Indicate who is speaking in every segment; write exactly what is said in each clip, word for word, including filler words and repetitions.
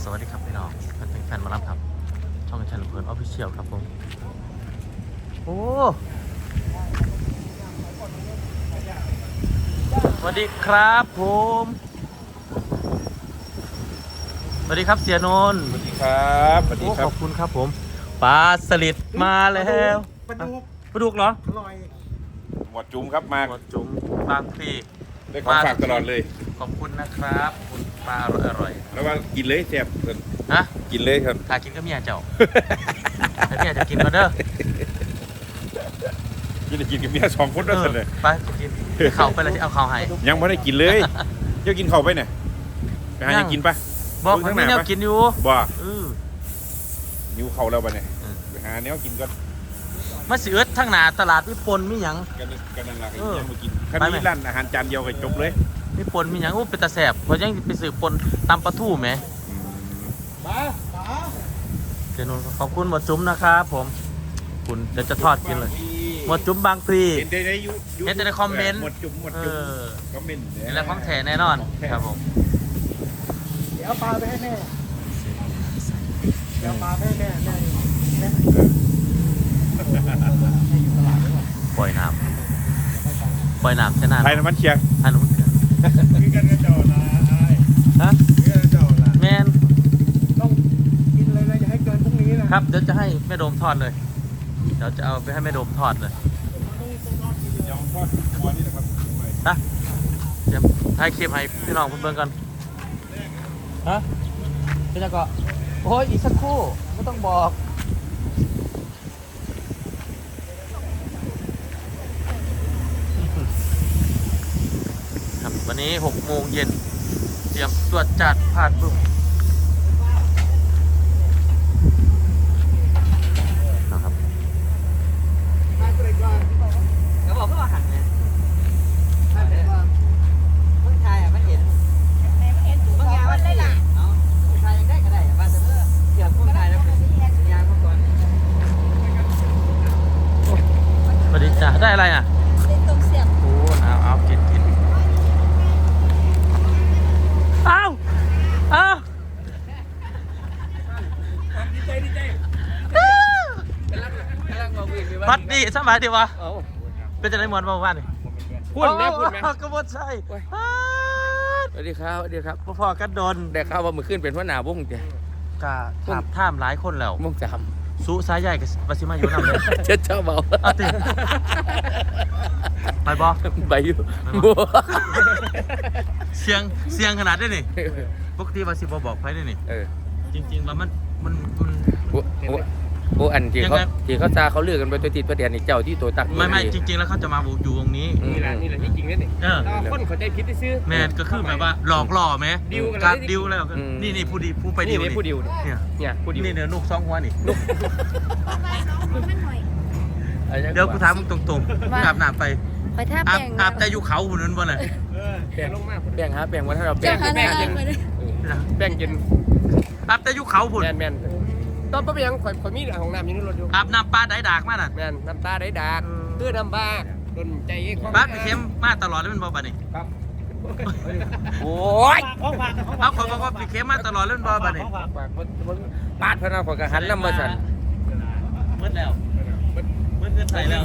Speaker 1: วัสดีครับพี่น้องแฟนแฟนมารับครับช่องชันเพิร์นออฟฟิเชียลครับผมโอ้สวัสดีครับผมสวัสดีครับเสียนนท์
Speaker 2: สวัสดีครับสวัสดีครั
Speaker 1: ข
Speaker 2: บ
Speaker 1: อบคุณครับผมปลาสลิดมาแล้ว
Speaker 3: ปลาดุก
Speaker 1: ปลาดุกเหรอ
Speaker 3: อร่อย
Speaker 2: หมวดจุ้มครับมา
Speaker 1: หมดจุ๋มบางพลี
Speaker 2: ได้ของฝากตลอดเลย
Speaker 1: ขอบคุณนะครับคุณปลาอร่อยอร่อย
Speaker 2: แล้วว่ากินเลยแซ่บเพิ่น
Speaker 1: ฮะ
Speaker 2: กินเลยครับ
Speaker 1: ถ้ากินก็เมียเจ้า แต่เมียจะกินมาเด้อ
Speaker 2: กินได้กินกับเมียสองคน
Speaker 1: เอ
Speaker 2: นั่น
Speaker 1: อ
Speaker 2: เลย
Speaker 1: ไปกินเขาไปเลยที่เอาเขาให้
Speaker 2: ยังไม่ได้กินเลยเดี๋ยวกินข้าวไปเนี่ยไปหา
Speaker 1: ยั
Speaker 2: ยัง งกินปะ
Speaker 1: บอก
Speaker 2: เบิ่
Speaker 1: มัน
Speaker 2: ง
Speaker 1: มี
Speaker 2: ทางหน้า
Speaker 1: แนว
Speaker 2: ปะ
Speaker 1: กินอยู่
Speaker 2: บ่
Speaker 1: เออ
Speaker 2: นิ้วเข่าแล้วปะเนี่ย
Speaker 1: เออ
Speaker 2: ไปหาแนวกินก็
Speaker 1: มาสิเอิดทั้งหนาตลาดวิปนมีหยัง
Speaker 2: กันกันนั่นแหละก็
Speaker 1: เออ
Speaker 2: ยังมากินคัน
Speaker 1: ไปไหม
Speaker 2: นี้ร้านอาหารจานเดียวก็จบเลย
Speaker 1: วิปนมีหยังอู้เป็นตาแสบเพราะยังไปสืบปนตำปลาทู่ไหม
Speaker 2: อืม
Speaker 3: ปลาปลา
Speaker 1: เจนนขอบคุณหมดจุ้มนะครับผมคุณเดี๋ยวจะทอดกินเลยหมดจุ้มบางพลี
Speaker 2: เห็นได้ในยู
Speaker 1: เห็นแต่ในคอมเมนต์
Speaker 2: หมดจุ้มหมด
Speaker 1: เอ
Speaker 2: จุ้ม
Speaker 1: อ
Speaker 2: คอมเมนต์
Speaker 1: นี่แหละของแท้แน่นอนครับผม
Speaker 3: เดี๋ยวเอาปลาไปให้แม่เดี๋ยวเอาปลาไปให้แม่แม่แม่ให้อยู่ตลาดด้วย
Speaker 1: ปล่อยน้ำปล่อยน้ำแค่นั้น
Speaker 2: ไทยน้ำมันเชียร์
Speaker 1: อันนู้นเถื่อน
Speaker 2: คือกันกระจอกนะไอ้
Speaker 1: ฮะ
Speaker 2: คือกันกระจอกนะ
Speaker 1: แมน
Speaker 3: ต้องกินเลยนะอย่าให้เกินพรุ่งนี้นะครับ
Speaker 1: เดี๋ยวจะให้แม่โดมทอดเลยเดี๋ยวจะเอาไปให้แม่โดมทอดเลย
Speaker 2: ยองทอดหัวนี่นะครับ
Speaker 1: นะเดี๋ยวถ่ายคลิปให้พี่น้องเพื่อนๆกันฮะพี่จะก็โอ้ยอีกสักครู่ไม่ต้องบอกครับวันนี้หกโมงเย็นเตรียมตรวจจัดผ่านปุ๊บนะครับ
Speaker 4: เขาบอกเพื่อหันเนี่ยคนไทยอ่ะมันเห็นบางอย่างมันได้ละเนาะคนไทยยังได้ก็ได้บ้านแต่เมื่อเกี่ยวกับคนไทยแล้วเป็นยางเมื่อก่อน
Speaker 1: สวัสดีจ้ะได้อะไรอ่ะ
Speaker 5: เป็นตรงเสียบ
Speaker 1: โอ้เอาเอากินกินเอาเอาพัดดีสบายดีวะเป็นจะได้มวนบ้างวะนี่
Speaker 4: พูดแม่พูดแม่
Speaker 1: กระบดใส่
Speaker 4: สวัสดีครับสวัสดีครับ
Speaker 1: พอๆกันโดน
Speaker 4: ได้ข่าวว่ามือขึ้นเป็นหัวหน้าวงจ้ะ
Speaker 1: กะถามท่ามหลายคนแล้ว
Speaker 4: วงจ
Speaker 1: สู้สายใหญ่กับปชิมาอยู่นำเลย
Speaker 4: ำเจ้าเจ้าเบา
Speaker 1: เอาติไปบอ
Speaker 4: ใบอยู่
Speaker 1: เสียงเสียงขนาดได้นี่ปกติว่าสิบบอกไปได้นี่
Speaker 4: เออ
Speaker 1: จริงๆแล้วมันมันมัน
Speaker 4: โอ้โอ้โอ้อันที่เขา
Speaker 1: ยังไง
Speaker 4: ที่เขาซาเขาเลือกกันไปตัวติดประเดี๋ยวนี่เจ้าที่ตัวตัก
Speaker 1: ไม่ไม่จริง ๆ แล้วเขาจะมาอยู่วงนี้
Speaker 4: นี่แหละนี่แหละที่จริงนี่นี่
Speaker 1: เออ
Speaker 4: คนเขาใจพิษได้ซื้อ
Speaker 1: แมนก็คือแบบว่าหลอกล่อไหม
Speaker 4: ดิวกันเลย
Speaker 1: การดิวแล้ว
Speaker 4: อืม
Speaker 1: นี่นี่ผู้ดีผู้ไปดิว
Speaker 4: นี่ผู้ดิว
Speaker 1: เนี่ย
Speaker 4: เนี่ยผู้ดิว
Speaker 1: นี่เนี่ยลูกสองหัวนี่
Speaker 5: มันหน่อย
Speaker 1: เดี๋ยวกูถามมึงตรงๆมึงอาบน้ำไป
Speaker 5: ไปท่า
Speaker 1: อาบ
Speaker 5: แปลง
Speaker 1: อาบแต่อยู่เขาหุ่นนั้นบ่น่ะ
Speaker 4: แป้งลงมาแป้งฮะแป้งวันถ้าเราแป้
Speaker 5: เจ้าง หา
Speaker 4: แป้ง
Speaker 5: น้า
Speaker 4: เย็น
Speaker 5: ไปเลย
Speaker 4: แป้งเย็น
Speaker 1: อาบแต่อยู่เขาหุ่น
Speaker 4: แมนแมนตอนป้าไปยังข่อยข่อยมีของน้ำอยู่ในรถอยู่
Speaker 1: อาบน้ำปลาได้ดากมาน่ะ
Speaker 4: แมนน้ำตาได้ดากเพื่อน้ำบ้าโดนใจเอง
Speaker 1: ปลาไปเค็มมาตลอดเลยมันบ่บัดนี้
Speaker 4: ครับโอ้ย
Speaker 3: ของฝากของฝาก
Speaker 1: เอาขอยบอกว่าไปเค็มมาตลอดเลยมันบ่บัดนี้
Speaker 3: ของฝาก
Speaker 4: ปากมันมันปาดพนักข่อยกระหันน้ำมาสั่น
Speaker 1: มืดแล้วมืดเกินใส่แล้ว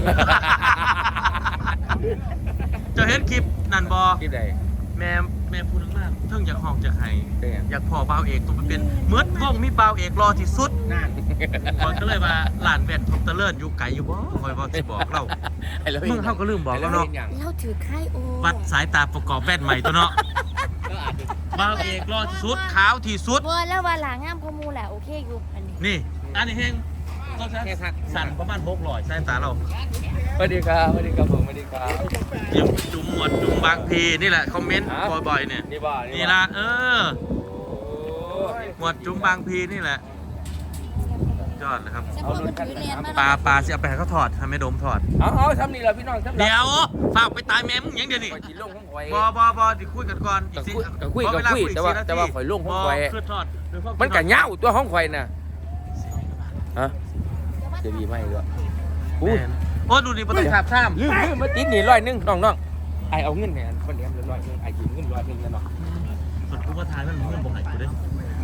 Speaker 1: เจะเห็นคลิปนั่นบ่
Speaker 4: ที่ใด
Speaker 1: แม่แม่พูดมากเพิ่งอยากห้องจากไห้
Speaker 4: เป็นไง
Speaker 1: อยากพอบ่าวเอกตัวไปเป็นเมื่อวงมีบ่าวเอกรอที่สุด
Speaker 3: นั่น
Speaker 1: คอยก็เลยว่าหลานแว่นทบตะเลิศอยู่ไกลอยู่บ่คอยบอกสิบอกเรา
Speaker 4: ไอ้เรา
Speaker 1: มึงเฮาก็ลืมบอกแล้วเนาะ
Speaker 5: เราถือไข่โอ้
Speaker 1: วัดสายตาประกอบแว่นใหม่ตัวเนาะบ่าวเอกรอที่สุดขาวที่สุด
Speaker 5: เวอร์แล้วว่าหลางามข้อมูลแหละโอเคอยู่อันนี้
Speaker 1: นี่อันนี้เฮงต้องใช้สั่นประมาณหกร้อยสายตาเรา
Speaker 4: สวัสดีครับสวัสดีครับผมสวัสดีครับ
Speaker 1: เตรียมจุ่มหมวดจุ่มบางพีนี่แหละคอมเมนต์บ่อยๆเนี่ย
Speaker 4: นี่บ่า
Speaker 1: นี่ละเออหมวดจุ่มบางพีนี่แหละยอดเลยครับ
Speaker 5: เฉพาะมันถือเรียนมา
Speaker 1: ปลาปลาสิเอาไปให้เขาถอดทำให้โดมถอด
Speaker 4: เอาเอาทำนี่แหละพี่น้องทำ
Speaker 1: เดี๋ยวฝากไปตายแม่มึงยังเดี๋ยวนี้
Speaker 4: ข่อยจีลงของข่อย
Speaker 1: บอบอบอดิคุยกันก่อนอีกสิ
Speaker 4: ก็คุย
Speaker 1: ขอ
Speaker 4: ก็
Speaker 1: เวลา
Speaker 4: คุย
Speaker 1: อี
Speaker 4: แต่ว่า
Speaker 1: สี่นที
Speaker 4: แต่ว่าข่อยลงของ
Speaker 1: บ
Speaker 4: ข่อย
Speaker 1: คือทอดด้วยควา
Speaker 4: มัน
Speaker 1: คิ
Speaker 4: กั
Speaker 1: ด
Speaker 4: เหงาตัวของข่อยน่ะฮะจะดีไหมด้วย
Speaker 1: แม่นโอ้ดูนี่ประตูขาบข้าม
Speaker 4: ลืมลืมมาติดหนีร้อยหนึงน้องน้องไอเอาเงินเนี่ยคนเลี้ยงร้อยหนึงไอยืมเงินร้อยหนึงนะน้อง
Speaker 1: สุดกูว่าทายมันเงินบ่ใหายกูเด้
Speaker 4: ม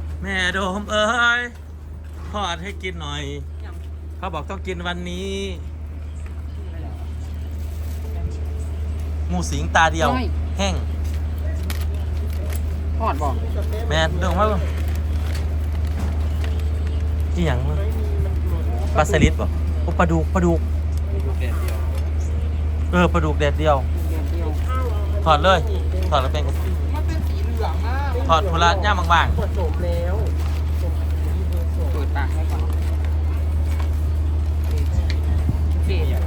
Speaker 1: แม่โดมเอ้ยทอดให้กินหน่อย เขาบอกต้องกินวันนี้หมูสิงตาเดียว แห้ง
Speaker 3: ทอดบอก
Speaker 1: แม่เรื่องว่าที่อย่างมั้งปลาสลิดป่ะโอ้ปลาดุกปลาดุกเออปลาดุกแดดเดียว ถอดเลย ถอดแล้วเป็น
Speaker 3: มันเป็นสีเหลืองมาก
Speaker 1: ถอดพุระย่ามบาง
Speaker 3: ปวดโสมแล้วเปิดปากให้ก่อนเสีย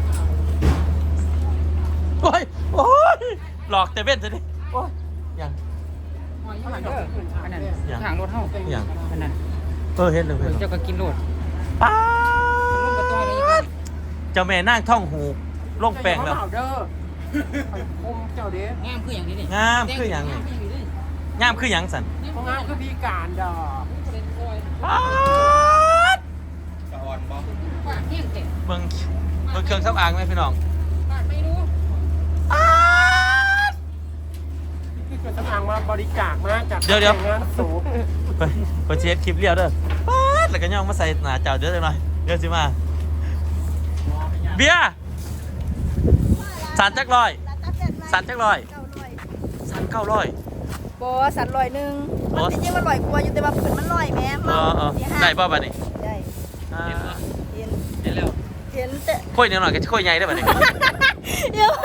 Speaker 1: ๆโอ้ยโอ้ยหลอกแต่เว้นซะดิโอ้ยอย่าง
Speaker 3: ข้างหลังเด้ออันนั้น
Speaker 1: อย่าง
Speaker 3: ข้างรถเฮา
Speaker 1: อย่าง
Speaker 3: อันนั้น
Speaker 1: เออเห็นเลยเห็นเลย
Speaker 3: เจ้าก็กินรถ
Speaker 1: ป้า
Speaker 3: ลงกระต้อยเลย
Speaker 1: ดเจ้าแม่นั่งท่องหูลงแป้งแล้ว
Speaker 3: เด้อคมเจ้าเด้งามคืออย่างนี้นี่
Speaker 1: งามคืออย่างนี้งามคืออย่างสัน
Speaker 3: เพราะงามคือพิการดอก
Speaker 1: ป๊าด
Speaker 2: สะออนบ่
Speaker 3: ว่าเที่ยงเจ็ด
Speaker 1: เบิ่งเบิ่งเครื่องซับอางไหมพี่น้อง
Speaker 3: ไม่รู้
Speaker 1: ป๊าด
Speaker 3: คือสำอางมาบริจาคมาจาก
Speaker 1: เดี๋ยวเดี๋ยว
Speaker 3: งานสูบ
Speaker 1: ไปไปเช็ดคลิปเรียวเด้อป๊าดแล้วก็ย่องมาใส่หน้าเจ้าเด้อจังหน่อยเดี๋ยวสิมา เบียร์สันจักร้อยสันจักร้อยสันเก้าร้อย
Speaker 5: บอสันลอยหนึ่ง
Speaker 1: บ่
Speaker 5: มันจริงๆมันลอยกว่าอยู่แต่ว่าผืนมันลอยแม่
Speaker 1: เออเออได้ป่ะบัดนี้
Speaker 5: ได้
Speaker 1: อ่า
Speaker 5: เห็น
Speaker 1: เห็นแล้ว
Speaker 5: เห็นแต่
Speaker 1: ค่อยนิดหน่อยก็ค่อยใหญ่ได้อบัดนี้
Speaker 5: เดี๋ยว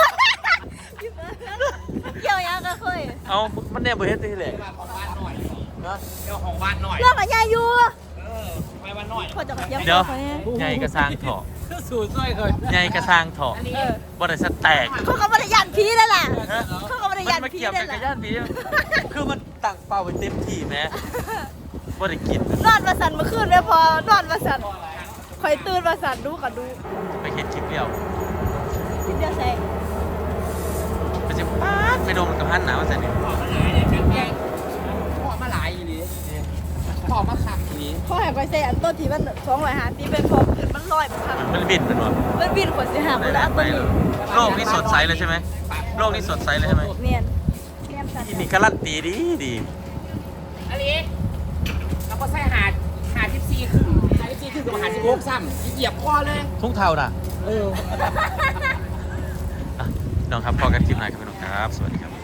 Speaker 5: เกี่ยวยังก็ค่อย
Speaker 1: เอามันแน่บ่เฮ็ดที่แหละ
Speaker 3: เจ้าของบ้านหน่อย
Speaker 5: เรื่องอะไรอยู่
Speaker 3: ไปบ้านหน่อย
Speaker 5: คนจะมาเยี่ยม
Speaker 1: เดี๋ยว
Speaker 5: เขาเนี่ย
Speaker 1: ใหญ่กระสร้างเถาะ
Speaker 3: สูตรช่วยเคย
Speaker 1: ใหญ่กระสร้างเถาะ
Speaker 5: เออ
Speaker 1: บ่ได้สแตก
Speaker 5: เขาก็บริยานพีนั่นแหละ
Speaker 1: ฮะ
Speaker 5: เขาก็บริยาน
Speaker 1: มัน
Speaker 5: พี
Speaker 1: เกี่ยว
Speaker 5: นั่
Speaker 1: กัน
Speaker 5: นแห
Speaker 1: กับ
Speaker 5: ละ
Speaker 1: ย่านผีคือมันตั้งเป้าไว้เต็มที่แหม้บ่ได้กิน
Speaker 5: นอนมาสันเมื่อคืนไม่พอนอนมาสันคอยตื่นมาสันดูกับดู
Speaker 1: ไปเฮ็ดคลิปเดียว
Speaker 5: คิดเดียวใส่
Speaker 1: ไปสิป๊าดไปโดนกับหันหนาว่าซั่นนี่
Speaker 3: พ่อมาหลายอีนี้พ่อมาคักอีนี้
Speaker 5: เขาให้คอยใส่อันต้นที่มันสองร้อยห้าสิบเป็นพอขึ้นมันลอยมันพัง
Speaker 1: มันบินเป็นบ่
Speaker 5: มันบินขวดสิหา
Speaker 1: ไห
Speaker 5: มันแล้ว
Speaker 1: นๆ
Speaker 5: อัน
Speaker 1: ไป
Speaker 5: ต้น
Speaker 1: เล
Speaker 5: นี้
Speaker 1: ยโลกนี้สดใสเลยใช่ไหมโลกนี้สดใสเลยใช่ไหม
Speaker 5: เนียนเนียนสัน
Speaker 1: ที่นี่การันตีดีดี
Speaker 3: อันนี้เราก็ใส่หาดหาดสิบสี่ขึ้นหาดสิบสี่ขึ้นกับหาดสิบหกซ้ำเหยียบคอเลย
Speaker 1: ทุ่งเท่าน่ะ
Speaker 3: เออ
Speaker 1: อ่ะน้องครับพอกันคลิปไหนครับพี่น้องครับ สวัสดีครับ